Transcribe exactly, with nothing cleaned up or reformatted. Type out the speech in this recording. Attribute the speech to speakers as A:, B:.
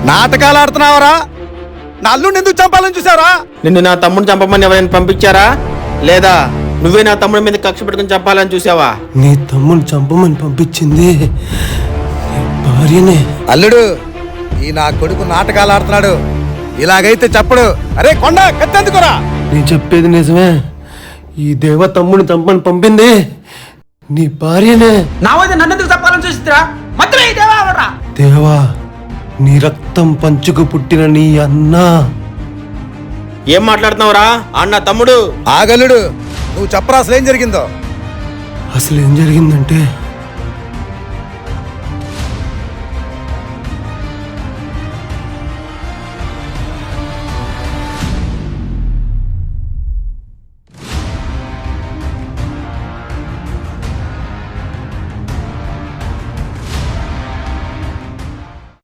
A: నాటకాలు ఆడుతున్నావరా? నా అల్లుడిని ఎందుకు చంపాలని చూసారా?
B: నిన్ను నా తమ్ముడిని చంపమని ఎవరైనా పంపించారా, లేదా నువ్వే నా తమ్ముడి మీద కక్ష పెట్టుకుని చంపాలని చూసావా?
C: నీ తమ్ముడిని చంపమని పంపించింది భార్యనే.
A: అల్లుడు, ఈ నా కొడుకు నాటకాలు ఆడుతున్నాడు. ఇలాగైతే చెప్పడు. అరే కొండ, కత్తెందుకురా?
C: నేను చెప్పేది నిజమే. ఈ దేవ తమ్ముడిని చంపని పంపింది నీ భార్యనే.
D: నా వద్ద నన్నెందుకు తప్పాలని చూసిరా? మధ్యలో ఈ దేవా ఎవడ్రా?
C: దేవా, నీ రక్తం పంచుకు పుట్టిన నీ అన్న.
B: ఏం మాట్లాడుతున్నావురా అన్న తమ్ముడు?
A: ఆగల్లుడు, నువ్వు చెప్పరా అసలు ఏం జరిగిందో?
C: అసలు ఏం జరిగిందంటే